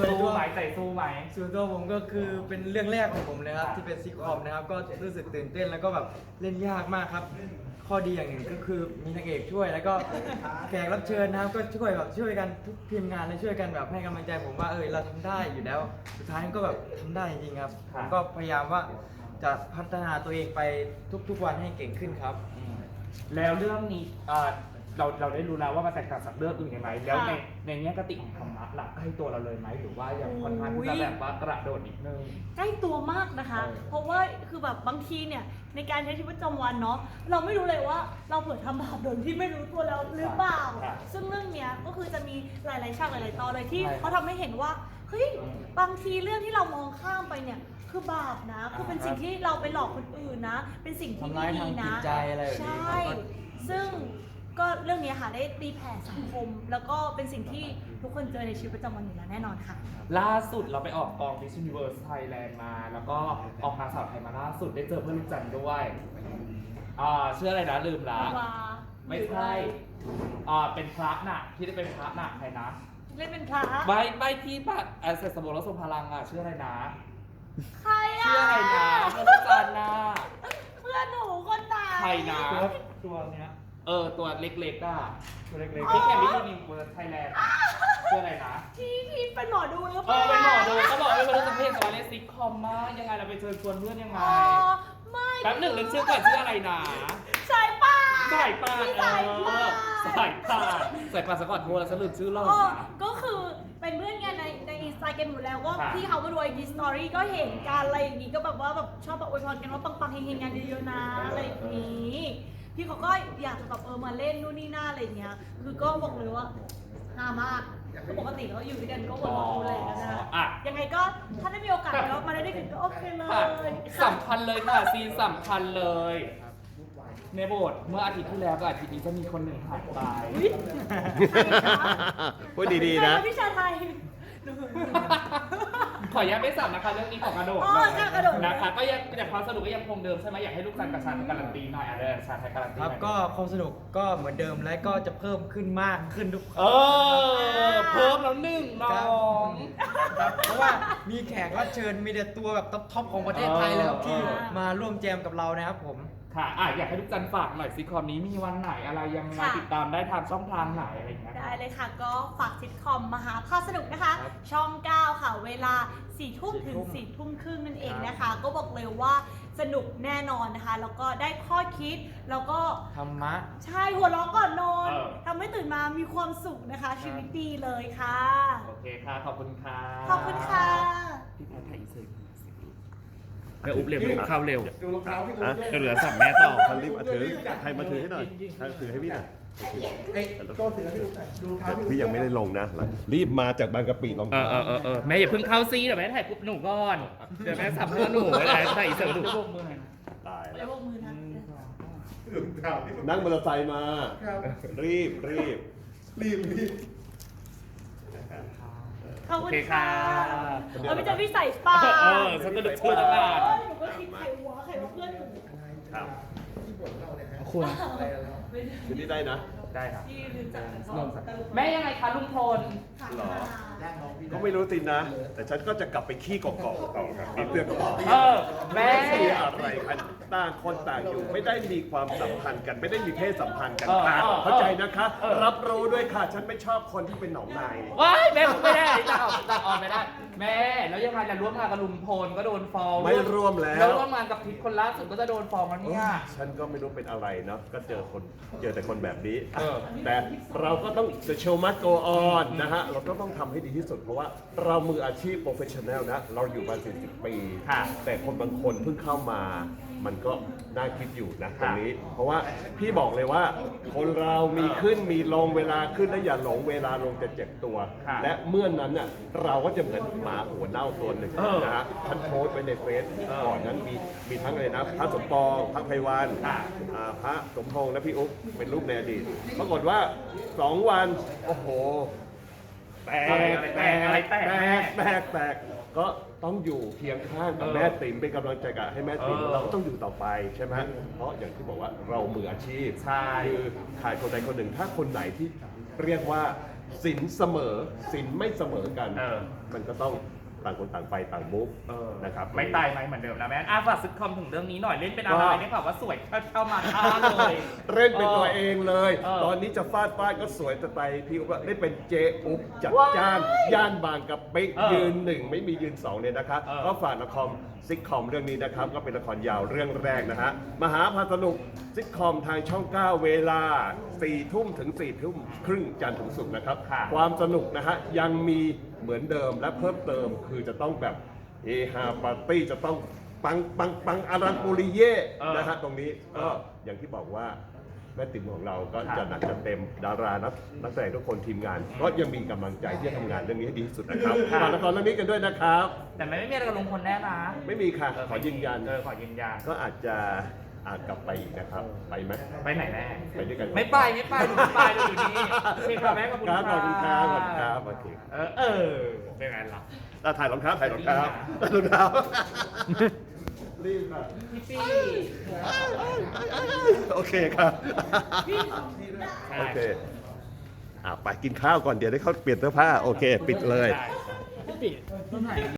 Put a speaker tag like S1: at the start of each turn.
S1: สู้ไหมใจสู้ไหม
S2: ส่วนตัวผมก็คือเป็นเรื่องแรกของผมเลยครับที่เป็นซิทคอมนะครับก็รู้สึกตื่นเต้นแล้วก็แบบเล่นยากมากครับข้อดีอย่างหนึ่งก็คือมีนางเอกช่วยแล้วก็แขกรับเชิญนะครับก็ช่วยกันทุกทีมงานและช่วยกันแบบให้กำลังใจผมว่าเราทำได้อยู่แล้วสุดท้ายก็แบบทำได้จริงๆครับผมก็พยายามว่าจะพัฒนาตัวเองไปทุกๆวันให้เก่งขึ้นครับ
S1: แล้วเรื่องนี้เราได้รู้แล้วว่ามันแตกต่างจากเรื่องอื่นยังไงแล้วในแง่กติของธรรมะหลักใกล้ตัวเราเลยไหมหรือว่าอย่างค่อนข้างที่จะแบบว่ากระโดดนิดนึง
S3: ใกล้ตัวมากนะคะ เพราะว่าคือแบบบางทีเนี่ยในการใช้ชีวิตประจำวันเนาะเราไม่รู้เลยว่าเราเผลอทำบาปโดยที่ไม่รู้ตัวแล้วหรือเปล่า
S1: ครับ
S3: ซึ่งเรื่องเนี้ยก็คือจะมีหลายๆฉากหลายๆตอนเลยที่
S1: ใช่
S3: เขาทำให้เห็นว่าเฮ้ยบางทีเรื่องที่เรามองข้ามไปเนี่ยคือบาปนะ คือเป็นสิ่งที่เราไปหลอกคนอื่นนะ เป็นสิ่งที่
S2: ทำ
S3: ไม่
S2: ร้าย
S3: ดี
S2: ทางจิ
S3: นะ
S2: ตใจอะไรแบบ
S3: ใช
S2: นี้
S3: ่
S2: ครับ
S3: ซึ่งก็เรื่องนี้ค่ะได้ตีแผ่สังคม แล้วก็เป็นสิ่งที่ทุกคนเจอในชีวิตประจำวันอยู่แล้วแน่นอนค่ะ
S1: ล่าสุดเราไปออกกอง Miss Universe Thailand มา แล้วก็ออกนางสาวไทยมาล่าสุดได้เจอเพื่อนลูกจันทร์ด้วยชื่ออะไรนะลืมละ
S3: วา
S1: ไม่ใช่ เป็นพระน่ะที่ได้เป็นพระน่ะใครนะ
S3: เล่นเป็นพระ
S1: ไม่ที่บัตรเสร็จสมบูรณ์แล้วทรงพลังชื่ออะไรนะ
S3: ใครอ่ะ
S1: ชื่ออะไรนะเพื่อนลูกจันทร์น่ะ
S3: เพื่อนหนูคนตาย
S1: ใครนะ
S2: ตัวเนี้ย
S1: ตัวเล็กๆอ่ะ
S2: ตัวเล็ก
S1: ที่แข่งมิสยูนิเวิร์สไทยแลนด์ชื่ออะไรนะ
S3: ที่เป็นหมอดูหรือเป
S1: เป็นหมอดู
S3: ล่า
S1: เขาบอกว่าเป็นรู้จักเพศสวรรค์ซิกคอมมากยังไงเราไปเชิญชวนเพื่อนยังไง
S3: อ๋อไม่
S1: แป๊บหนึ่งนึกชื่อก่อนชื่ออะไรนะ
S3: สายป่าน
S1: สายป่าน
S3: สายป่าน
S1: สายป่านสายป่านสะกดโทรแล้วฉันลืมชื่อเรา
S3: อ๋อ
S1: นะ
S3: ก็คือเป็นเพื่อนกันในอินสตาแกรมอยู่แล้วก็
S1: ค่ะ
S3: ที่เขามาดูไอจีสตอรี่ก็เห็นกันอะไรอย่างงี้ก็แบบว่าแบบชอบแบบอวยพรกันว่าปังๆเฮงๆงานเยอะๆนะอะไรอย่างงี้พี่เขาก็อยากจะแบบมาเล่นนู่นนี่นั่นอะไรอย่างเงี้ยคือก็บอกเลยว่าฮามากคือปกติเราอยู่ด้วยกันก็วนๆดูแลกันนะ
S1: อ่ะ
S3: ยังไงก็ถ้าได้มีโอกาสก็มาได้ด้วยกันก็โอเคเลย
S1: ค่ะ
S3: ค่ะ
S1: สำคัญเลยค่ะซีนสำคัญเลย ในโบสถ์เมื่ออาทิตย์ที่แล้วกับอาทิตย์นี้จะมีคนหนึ่งหายไป
S3: อุ๊ย
S4: พูดดีๆนะ
S3: ใครวพี่ชาไทย
S1: ขออนุญาตไม่สับนะคะเรื่องนี้ของกระโดด
S3: อ๋อ
S1: เลย
S3: ค่ะกระโดด
S1: นะคะก็ยังแต่ความสนุกก็ยังคงเดิมใช่ไหมอยากให้ลูกจันทร์กับชาไทยการันตีหน่อยอะไรชาไทยการันตี
S2: ครับ
S1: หน่อย
S2: ก็ความสนุกก็เหมือนเดิมและก็จะเพิ่มขึ้นมากขึ้นทุก
S1: เพิ่มแล้วหนึ่งน้
S2: ค
S1: อ
S2: รับ
S1: ง
S2: ครับเพราะว่ามีแขกรับเชิญมีแต่ตัวแบบท็อปของประเทศไทยเลยครับที่
S1: อ่าม
S2: มาร่วมแจมกับเรานะครับผม
S1: ค่ะอยากให้ลูกจันทร์ฝากหน่อยซิคอมนี้มีวันไหนอะไรยังไง
S3: ค่ะ
S1: ติดตามได้ทางช่องทางไหนอะไรอย่างเงี้ย
S3: ได้เลยค่ะก็ฝากซิทคอมมหาภาคสนุกนะคะ
S2: ครับ
S3: ช่อง 9 ค่ะ เวลา 4 ทุ่มถึง 4 ทุ่มครึ่งนั่นเองนะคะ ก็บอกเลยว่าสนุกแน่นอนนะคะ แล้วก็ได้ข้อคิด แล้วก็
S2: ธรรมะ
S3: ใช่หัวเราะก่อนนอน
S1: เออ
S3: ทำให้ตื่นมามีความสุขนะคะ ชีวิตดีเลยค่ะ
S1: โอเคค่ะ ขอบคุณค่ะ
S3: ขอบคุณค่ะ
S1: พี่แพทย์ถ่ายอินเสิร์ตแม่อุ๊บเร็วอุ๊บเข้าเร็ว
S4: ดูรองเท้าพี่
S1: จะเหลือสับแม่ต่อ
S4: คันรีบมาถือใครมาถือให้หน่อยใครถือให้พี่หน่อยพี่ยังไม่ได้ลงนะรีบมาจากบางกะปิรองเท้า
S1: แม่อย่าเพิ่งเข้าซีเดี๋ยวแม่ถ่ายปุ๊บหนูก่อน เดี๋ยวแม่สับเพื่อหนูถ่ายอินเสิร์ตหนู
S4: ตาย
S3: ไป
S4: แล้ว
S3: พวกมือนะ
S4: นั่งมอเตอร์ไซค์มา รีบ
S3: ขอบ
S1: โอ
S3: คุณ
S1: เค
S3: ค่ะ
S1: ค่ะ
S3: เอาไปเจอพี่ใส่ป่า
S1: ฉันก็นึกชื่อตั้งนาน
S3: หนูก็คิดใครวะใครว่าเพื่อนหนู
S4: ครับ
S1: คุณ
S4: คืนนี้ได้นะ
S1: ได้ครับ
S3: ที่ลืมจาก
S1: แม่ยังไงคะลุงพล
S4: หรอ ก็ไม่รู้สินะ แต่ฉันก็จะกลับไปขี้กอกๆต่อครับมีเพื่อนก็บอก
S1: แม่
S4: ไม่มีอะไรกันต่างคนต่างอยู่ ไม่ได้มีความสัมพันธ์กัน ไม่ได้มีเพศสัมพันธ์กันค่ะเข้าใจนะคะ รับรู้ด้วยค่ะ ฉันไม่ชอบคนที่เป็นหนองใน
S1: ว้ายแม่พูดไม่ได้ตัดออกไม่ได้ แม่แล้วยังไงจะร่วมงานกับลุงพลก็โดนฟ้อง
S4: ไม่ร่วมแล้ว
S1: แล้วร่วมงานกับพิษคนล่าสุดก็จะโดนฟ้องแล้วเนี่ย
S4: ฉันก็ไม่รู้เป็นอะไรเนาะ ก็เจอแต่คนแบบนี้
S1: เออ
S4: แต่เราก็ต้อง the show must go on นะฮะ เราก็ต้องทำให้ดีที่สุด เพราะว่าเรามืออาชีพ professional นะ เราอยู่มา40 ปี
S1: ค่ะ
S4: แต่คนบางคนเพิ่งเข้ามา มันก็น่าคิดอยู่นะตรงนี้ เพราะว่าพี่บอกเลยว่า คนเรามีขึ้นมีลงเวลาขึ้นและอย่าหลงเวลาลงจะเจ็บตัว
S1: ค่ะ
S4: และเมื่อนนั้นน่ะเราก็จะเหมือนหมาหัวเน่าตัวหนึ่ง
S1: เออ
S4: นะฮะฉันโพสต์ไว้ในเฟซก่อนนั้นมีทั้งอะไรนะพระสมปองพระไพวัน
S1: ค่ะ
S4: พระสมพงษ์และพี่อุ๊บเป็นรูปในอดีตปรากฏว่า 2 วัน โอ้โห แตกก็ต้องอยู่เคียงข้างกับแม่ติ๋มเป็นกำลังใจกับให้แม่ติ๋มเราก็ต้องอยู่ต่อไปใช่ไหมเพราะอย่างที่บอกว่าเรามืออาชีพ
S1: ใช่
S4: คือถ่ายคนใดคนหนึ่งถ้าคนไหนที่เรียกว่าสินเสมอสินไม่เสมอกัน
S1: เออ
S4: มันก็ต้องต่างคนต่างไปต่างมุกนะครับ
S1: ไม่ตายไหมเหมือนเดิมนะแม่ฝากซิทคอมถึงเรื่องนี้หน่อยเล่นเป็นอะไรได้ข่าวว่าสวยเข้ามาท่าเลย
S4: เล่นเป็นตัวเองเลย
S1: เออ
S4: ตอนนี้จะฟาดก็สวยจะไปพี่ก็ได้เป็นเจอุ๊บจัดจ้านย่านบางกะปิ
S1: เออ
S4: ยืน 1 ไม่มียืน 2เนี่ยนะครับ
S1: เออ
S4: ก็ฝากละครซิทคอมเรื่องนี้นะครับ ก็เป็นละครยาวเรื่องแรกนะฮะมหาพาสนุกซิทคอมทางช่อง 9 เวลา 4 ทุ่มถึง 4 ทุ่มครึ่งจันทร์ถึงศุกร์นะครับ
S1: ค่ะ
S4: ความสนุกนะฮะยังมีเหมือนเดิมและเพิ่มเติมคือจะต้องแบบเฮฮาปาร์ตี้จะต้องปังอลังปุริเย่นะฮะตรงนี้ก็อย่างที่บอกว่าแม่ติ๋มของเราก็จะหนักจะเต็มดารานักแสดงทุกคนทีมงาน ก็ยังมีกำลังใจที่จะทำงานเรื่องนี้ให้ดีที่สุดนะครับฝากละครเรื่องนี้กันด้วยนะครับ
S1: แต่ไม่มีอะไรกับลุงพลแน่นะ
S4: ไม่มีค่ะขอยืนยัน
S1: ขอยืนยัน
S4: ก็อาจจะกลับไปอีกนะครับ ไปไหม
S1: ไปไหนแม่
S4: ไปด้วยกัน
S1: ไม่ไปหนูไม่ไปเราอยู่นี่โอเคค่ะแม่ขอบคุณ
S4: ครับขอบคุณครับขอบคุณครับโอเค
S1: เป็นไงล่ะ
S4: ถ่ายรองเท้าถ่ายรองเท้ารีบอ่ะ
S1: พี่ปี้
S4: โอเคครับ โอเคไปกินข้าวก่อนเดี๋ยวได้เข้าเปลี่ยนเสื้อผ้า โอเค ปิดเลย
S1: พี่ปี้